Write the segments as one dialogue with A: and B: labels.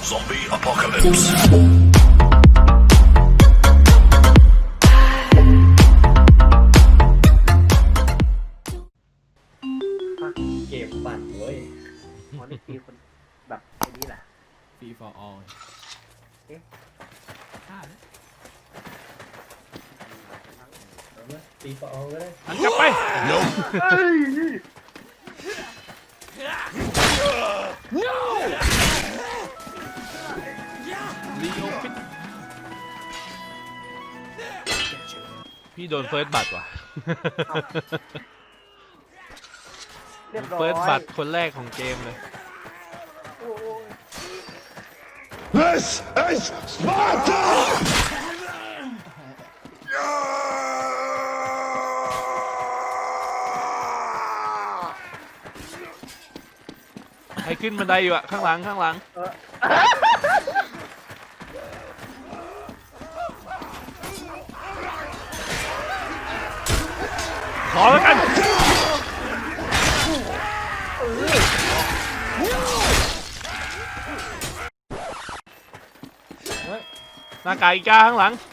A: Zombie apocalypse.
B: เกมปั่นเว้ย
C: อ๋อนี่ตีคนแบบไอ้นี่แหละ
D: Free for all
C: เอ๊ะ
D: ฆ่าเลย
B: เอาไหมตีฟอร์ก็ได้
D: หันกลับไป
A: Nope.
C: เฮ้ย
D: รีโอฟิตพี่โดนเฟิร์สบัตรว่ะ
C: เรียบร้อย
D: เฟิร์สบัตรคนแรกของเกมเลย
C: โอ้ย
A: This is Sparta!
D: ใครขึ้นบันไดอยู่อะข้างหลังข้างหลัง ขอแล้วกัน หน้ากากอีกาข้างหลัง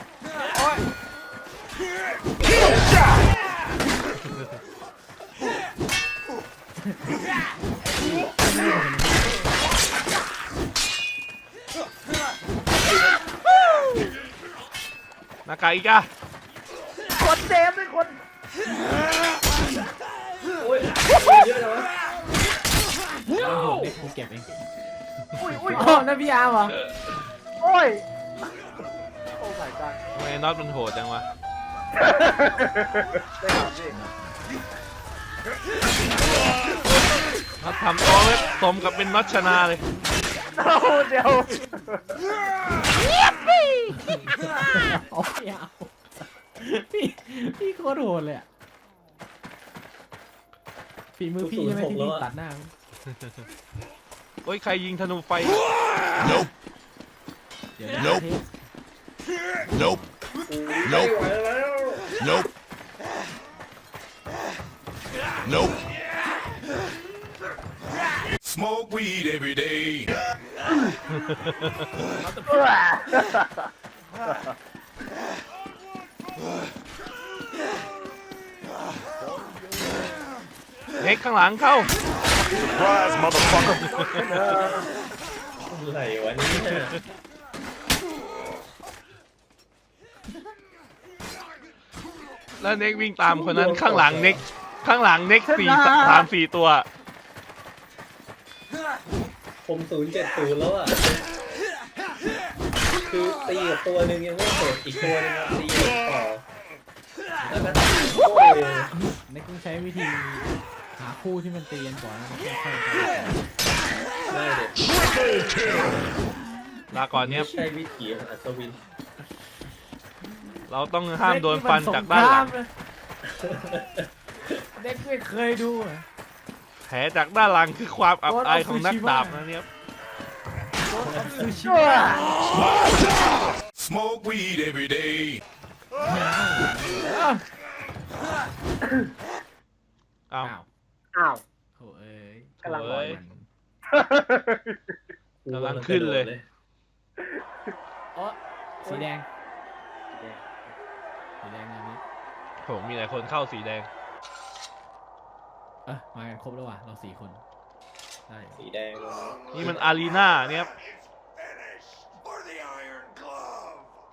D: หน้ากากอีกา
C: คนเจมส์เป็นคน
B: โอ้ยเยอะเลยวะ
D: เด็กกูเก็บเอง
C: อุ้ยอุ้ย
D: อ๋อนั่นพี่อาร์มเหรอ
C: โอ้ยโอ้ my god
D: ทำไมน็อตมันโหดจังวะ
C: ได้ครับพี่
D: น็อตทำตัวไว้สมกับเป็นน็อตชนะเลย
C: เอาเดี๋ยว
D: เอาไม่เอาพี่โคตรโหดเลยอ่ะฝีมือพี่ใช่ไหมที่พี่ตัดหน้า โอ้ยใครยิงธนูไฟ
A: Nope.
D: เดี๋ยวนะ
A: Nope. Nope.
B: ไม่ไหวแล้ว
A: Nope. Nope. Smoke weed every day.
D: เน็กข้างหลังเข้า
A: Surprise, motherfucker.
B: อะไรวะเนี่ย
D: แล้วเน็กวิ่งตามคนนั้นข้างหลังเน็กข้างหลังเน็ก3-4 ตัว
B: ผม070แล้วอ่ะ คือตีกับตัวหนึ่งยังไม่เสร็จอีกตัวหนึงอะตีต่อแล้วก็โอ้ย
E: เน็กต้องใช้วิธีหาคู่ที่มันตีกันก่อนแล้วค่อยๆไป
B: ได้เด็ด
D: ลาก่อนเนี้ย
B: ไม่ใช่วิถีของอัศวิน
D: เราต้องห้ามโดนฟันจากด้านหลัง
E: เน็กไม่เคยดูอะ
D: แผลจากด้านหลังคือความอับอายของนักดาบนะเนี่ย
E: คือชิ
A: Smoke weed every day.
D: อ้าว
C: อ้าว
E: โถ่เอ้ย
C: กำลัง
D: เอ้ย
B: กู
D: กำลังขึ้นเลย
E: อ๋อสีแดงสีแดงอันนี้
D: โหมีหลายคนเข้าสีแดง
E: มากันครบแล้วว่ะเรา4 คนได้
B: สีแดง
D: นี่มันอารีนาเนี่ย
A: For the Iron Glove.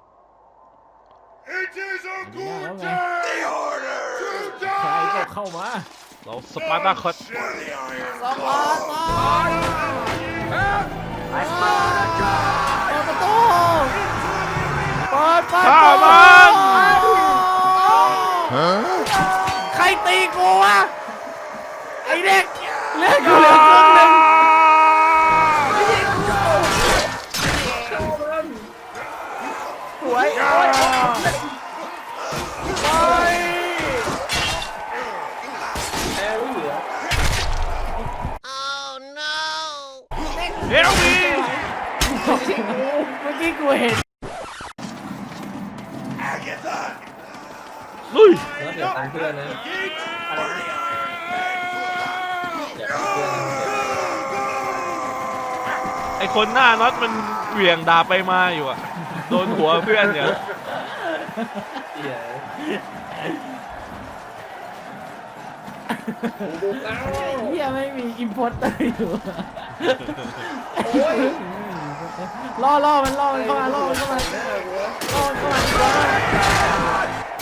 E: It is a good
A: The order.
E: ใครก็เข้ามา
D: เราสปาร์ตาคอส
A: For the Iron
E: เปิดประตูเปิดประ
D: ข้า
E: ตู
D: มัน
E: ใครตีกูวะไอเด็กเลือดกูเหลือครึ่งหนึ่ง
C: สวยโอ้ย
B: แอร์ไม่เหลือ
D: เฮลมี
E: เมื่อกี้กูเห็น
D: ลุย
B: แล้วเดี๋ยวตามเพื่อนนะ
C: อะไรนะ
B: อย่าตามเพื่อนนะ
D: ไอคนหน้าน็อตมันเหวี่ยงดาบไปมาอยู่อะโดนหัวเพื่อนเนี่ย
B: เหี้ยบุกเอา
E: เฮียไม่มีอิมพอร์เตอร์อยู่
B: โอ้ย
E: ล่อมันเข้ามาล่อมันเข้ามา
B: หน้ากูวะ
E: ล่อมันเข้ามาดีกว่า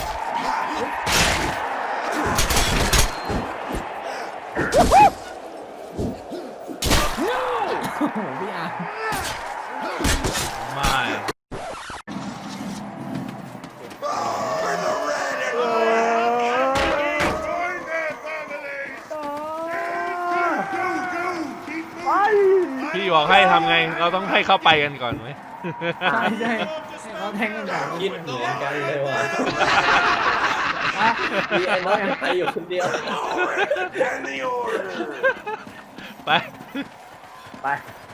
E: โอ้โหพี่อาร์
D: ไม่
A: For the red and blue. Join their family.
C: ไป
D: พี่บอกให้ทำไงเราต้องให้เข้าไปกันก่อนไหม
E: ใช่ให้เขาแทงกันก่อน
B: คิดเหมือนกันเลยว่ะมีไอ้น็อตไปอยู่คนเดียว
A: And the order.
D: ไป
C: ไป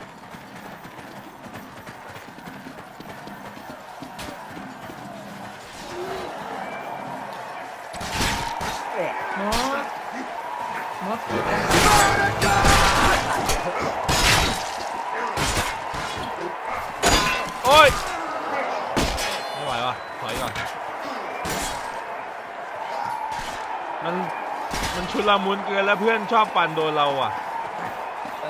E: น็อตน็อต
D: โอ้ยไม่ไหวว่ะถอยก่อนมันชุลมุนเกินแล้วเพื่อนชอบปั่นโดนเราอ่ะ
B: ใช่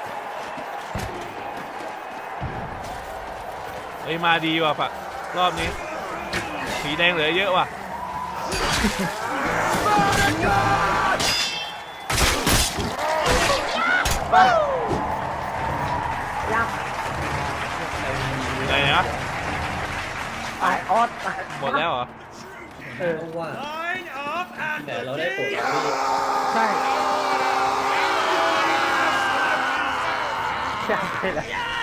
D: เฮ้ยมาดีว่ะปะรอบนี้สีแดงเหลือเยอะว่ะ
C: ไปยัง
D: อยู่ไหนนะ
C: ไปออสไป
D: หมดแล้วเหรอ
B: ต้องว่าแต่เราได้ผลแล้วพี่
E: ใช่
C: ใช่เลย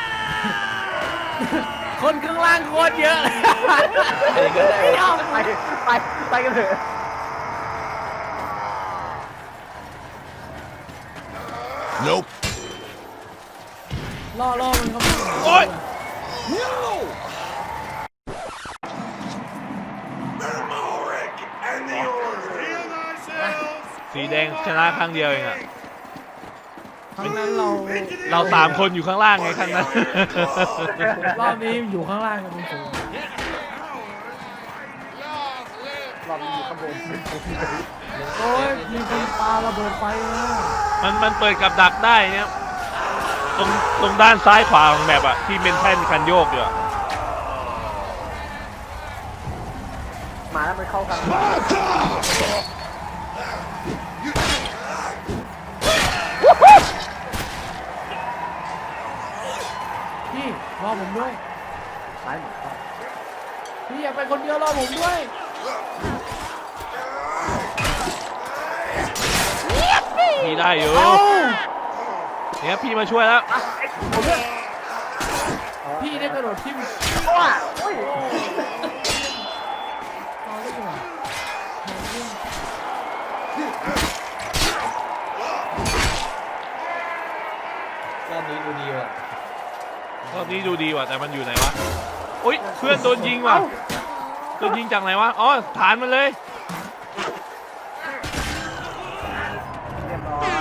E: คนข้างล่างโคตรเยอะเลย
B: ใครก็ได้
C: ไม่เอาไปกันเถอะ
A: Nope.
E: ล่อมันเข้ามา
D: โอ๊ย
A: Malric and the order. Heal thyselves.
D: สีแดงชนะครั้งเดียวเองอะ
E: ครั้งนั้นเรา
D: เราสามคนอยู่ข้างล่างไงครั้งนั้น
E: รอบนี้อยู่ข้างล่างกันเป็นฝูง
C: รอบนี้อยู่ข้างบน
E: โอ้ยมีคนปาระเบิดไฟมา
D: มันเปิดกับดักได้เนี่ยตรงด้านซ้ายขวาของแมปอะที่เป็นแท่นคันโยกอยู่อะ
C: มาแล้วมันเข้ากัน
E: พี่รอผมด้วย
C: ซ้ายหมดเข้า
E: พี่อย่าไปคนเดียวรอผมด้วย
D: พี่ได้อยู่
E: เอ้า
D: เนี่ยพี่มาช่วยแล้ว
C: ผมเนี่ย
E: พี่ได้กระโดดทิ่ม
C: โอ้ยโอ้ย
E: เอาได้ก่อน
B: รอบนี้ดูดีว่ะ
D: รอบนี้ดูดีว่ะแต่มันอยู่ไหนวะอุ๊ยเพื่อนโดนยิงว่ะโดนยิงจากไหนวะอ๋อฐานมันเลย
C: เรียบร้อย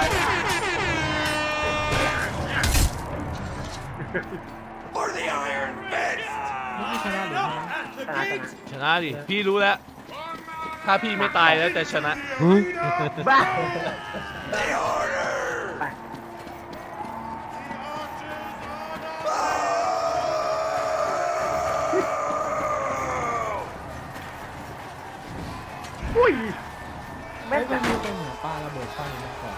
A: For the Iron Fist.
E: ไม่ชนะหรือไง
D: ชนะดิพี่รู้แล้ว ถ้าพี่ไม่ตายแล้วจะชนะ
C: บ้า
A: The order.
C: อุ้ย
E: ไม่
C: แม่ง
E: เป็
C: จั
E: น
C: ง
E: มีเป็นเหมือนปลาระเบิดไฟมาก่อน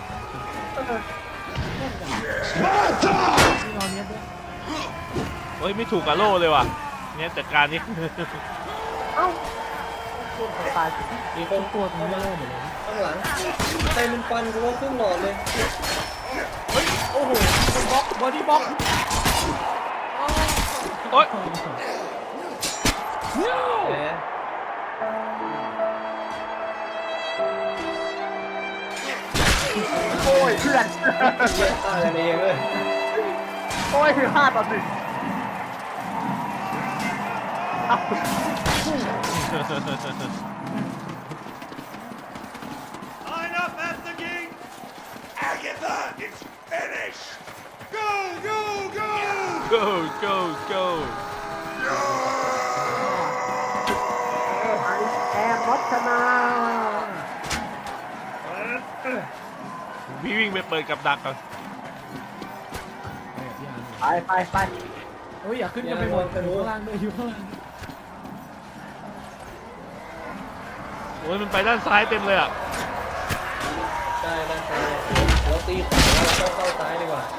E: ที่นอนเนี้ยด้วย
D: เฮ้ยไม่ถูกกับโล่เลยว่ะเนี่ยจัดการนี่
C: เอ้าคุณตายสิ
B: มีคน
E: ตัวตรงนี้โล่หมดเลย
B: ข้างหลังใครมันฟันกูว่าครึ่งหลอดเลย
E: โอ้โหบล็อกบอดี้บล็อก
D: โอ๊ย
B: แหม
C: โอ้ยเพื่อน
B: เยอะฆ่ากันเองเลย
C: โอ้ยคือ5-1เอ้า
A: Line up at the gate. Agatha, it's finished. Go, go, go.
D: go go go
C: ไอแอนวัฒนา
D: พี่วิ่งไปเปิดกับดักก่อน
C: ไป
E: เฮ้ยอย่าขึ้นกันไปหมดอยู่ข้างล่างด้วยอยู่ข้างล่าง
D: โอ้ยมันไปด้านซ้ายเต็มเลยอ่ะ
B: ใช่ด้านซ้ายเราตีขวาแล้วเราเข้าซ้ายดีกว่า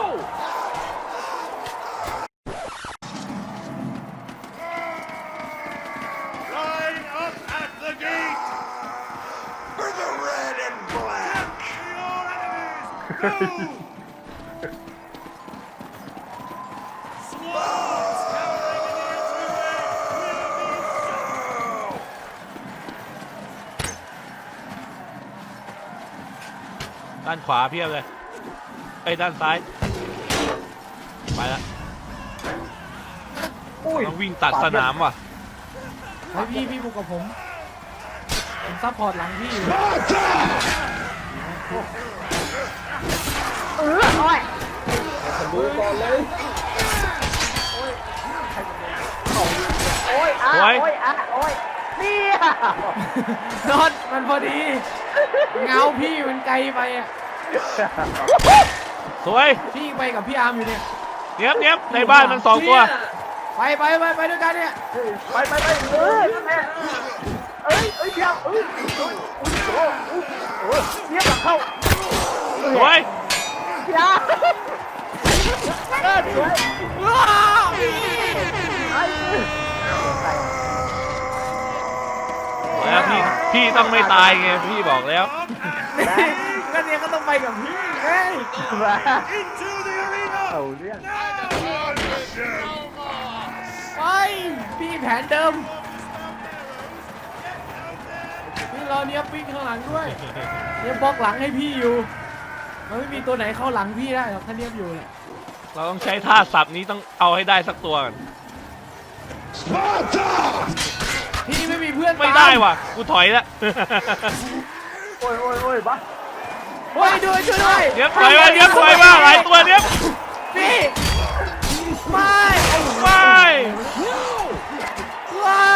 A: Line up at the gate. For the red and black. Your enemies. Go. Swarms cowering in the entryway will be so.
D: ด้านขวาเพียบเลยไอ้ยด้านซ้ายไปละ
C: อุ้ย
D: ต้องวิ่งตัดสนามว่ะ
E: เฮ้ยพี่บุกกับผมซัพพอร์ตหลังพี่อยู่
C: โอ้ย
B: ทะลุก่อนเลย
C: โอ้ยเนี่ย
E: นอนมันพอดีเงาพี่มันไกลไปอ่ะ
D: สวย
E: พี่ไปกับพี่อาร์มอยู่เนี่ย
D: เนี้ยในบ้านมัน2 ตัว
E: ไปด้วยกันเนี่ย
C: ไปนั่นแหละเพียงเพียงเข้า
D: สวย
C: เพียงสวย
E: ว้าว
D: แล้วพี่ต้องไม่ตายไงพี่บอกแล้ว
E: ก็เนี่ยก็ต้องไปกับพี่ไง
A: Into the arena.
C: เอาเรื่อง
E: ไปพี่แผนเดิมพี่รอเนี้ยวิ่งข้างหลังด้วยเนี่ยบล็อกหลังให้พี่อยู่มันไม่มีตัวไหนเข้าหลังพี่ได้หรอกถ้าเนียบอยู่เนี่ย
D: เราต้องใช้ท่าสับนี้ต้องเอาให้ได้สักตัวก่อน
E: พี่ไม่มีเพื่อน
D: ไม่ได้ว่ะกูถอยละ
C: โอ้ยบ้า
E: เฮ้ยช่วยด้วย
D: เนี้ยถอยมาหลายตัวเนี้ย
E: พี่ไม่
D: ไม่
E: ว้า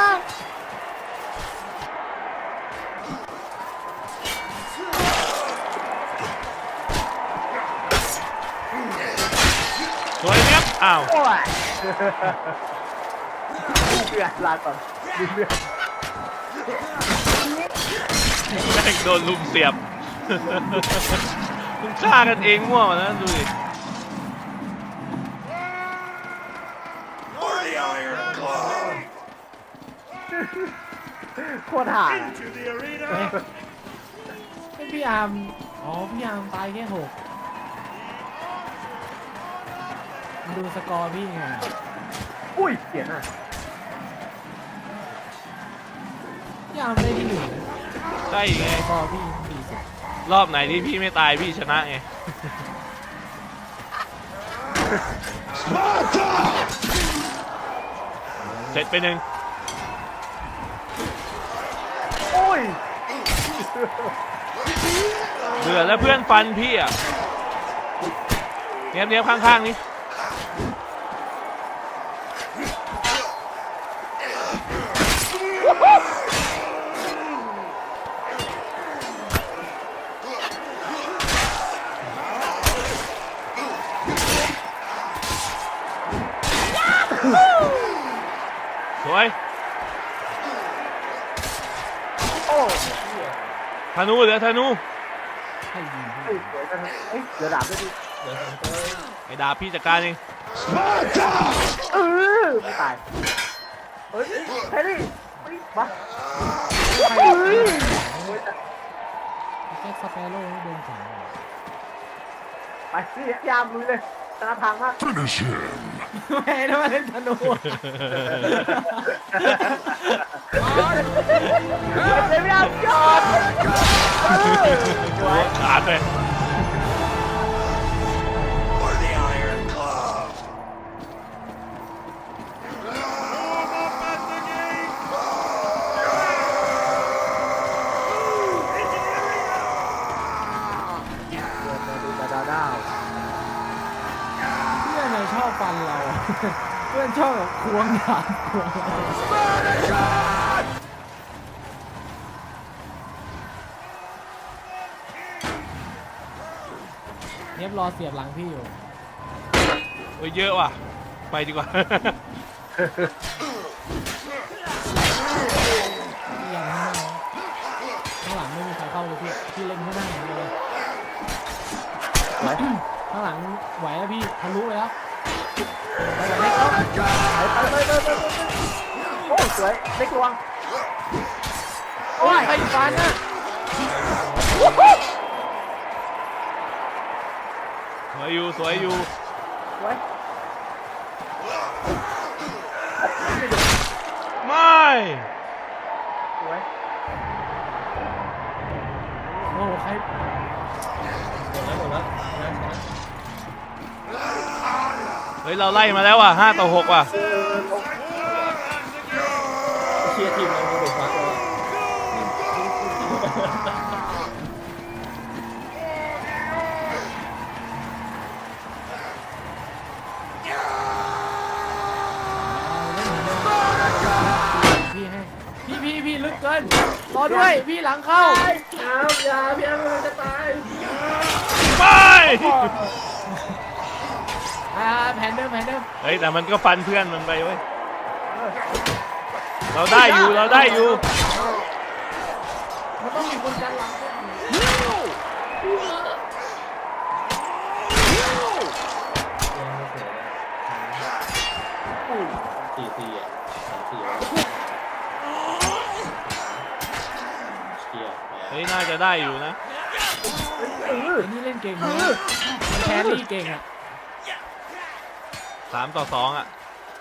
D: สวยเนี้ยอ้าว
C: โอ้ยเพื่อนลาก่อนเพื่อน
D: แม่งโดนลุมเสียบ มึงฆ่ากันเองมั่วมานะดูดิ
A: For the Iron Claw.
C: โคตรห่า
A: Into the arena.
E: ไม่พี่อาร์มอ๋อพี่อาร์มตายแค่6ดูสกอร์พี่ไง
C: อุ้ยเสียหน้า
E: พี่อาร์มได้ที่1นะ
D: ใช่ไง
E: สกอร์พี่40
D: รอบไหนที่พี่ไม่ตายพี่ชนะไง เสร็จไป1
C: โอ้ย
D: เบื่อแล้วเพื่อนฟันพี่อ่ะเนี้ยข้างๆนี้สวย
C: โอ้
D: ธนูเหลือธนู
E: ให้ยิงพี่
C: ยสวยจังเอ้ยเดี๋ยวดาบด้วยดิ
B: เดี๋ยวผมก็
D: ไอ้ดาบพี่จัดการเอง
C: ไม่ตายเฮ้ยแฮร์รี่มา
E: แจ็คสเปโร่ให้โดนสอง
C: ไปพี่ยามลุยเลยชนะทางมาก
E: ไม่ได้มาเล่นธนู
C: เดี๋ยวยามยอด
D: ขาดเลย
A: For the Iron Claw. Warm up at the gate. Into the arena.
C: ดาว
E: เพื่อนชอบฟันเรา เพื่อนชอบแบบควงดาบควงเนียบรอเสียบหลังพี่อยู่
D: โอ้ยเยอะว่ะไปดีกว่า
E: พี่ยันข้างหน้าข้างหลังไม่มีใครเข้าเลยพี่เล่นข้างหน้าอย่างเดียวเลยข้างหลังไหวแล้วพี่ทะลุไปแล้วไปไหวเล็กแล้ว
C: ไปโอ้สวยเล็กลวง
E: โอ้ยใครฟันน่ะ
D: สวยอยู่สวยอยู่
C: สวย
D: ไม่
C: สวย
E: โอ้ใคร
B: หมดแล้วชนะ
D: เฮ้ยเราไล่มาแล้วว่ะ5-6ว่ะ
B: เชียร์ทีมเราดูฟักแล้ว
E: พี่ให้พี่ลึกเกินรอด้วยพี่หลังเข้า
B: อย่าพี่แอมมันจะตาย
D: ไม่
E: แผนเดิม
D: เฮ้ยแต่มันก็ฟันเพื่อนมันไปเว้ยเราได้อยู่เราได้อยู่
E: มันต้องมีคนกันหลังด้วย
B: ยังไม่เสีย4-4อ่ะ3-4เชียร์
D: เฮ้ยน่าจะได้อยู่นะ
E: ไอ้นี่เล่นเก่งนะแครี่เก่งอ่ะ
D: 3-2อ่ะ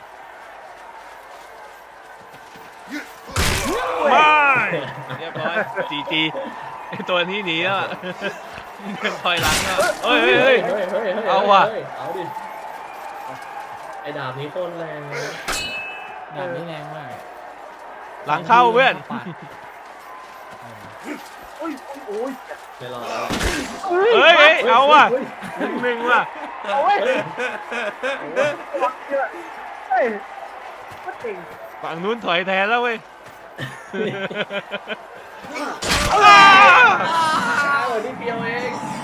D: ไม่เรียบร้อยGGไอตัวนี้หนีแล้วอะเดินถอยหลังแล้วเฮ้ยเอาว่ะ
B: เอาดิไอ้ดาบนี้โคตรแรงเลย
E: ดาบนี้แรงมาก
D: หลังเข้าเพื่อน
C: โอ้ย
B: ไม่รอแล้ว
D: เฮ้ยเอาว่ะ1-1ว่ะ
C: โอ้ยเฮ้ยก็เก่ง
D: ฝั่งนู้นถอยแทนแล้วเว้ย
B: อ้าวนี่เดียวเอง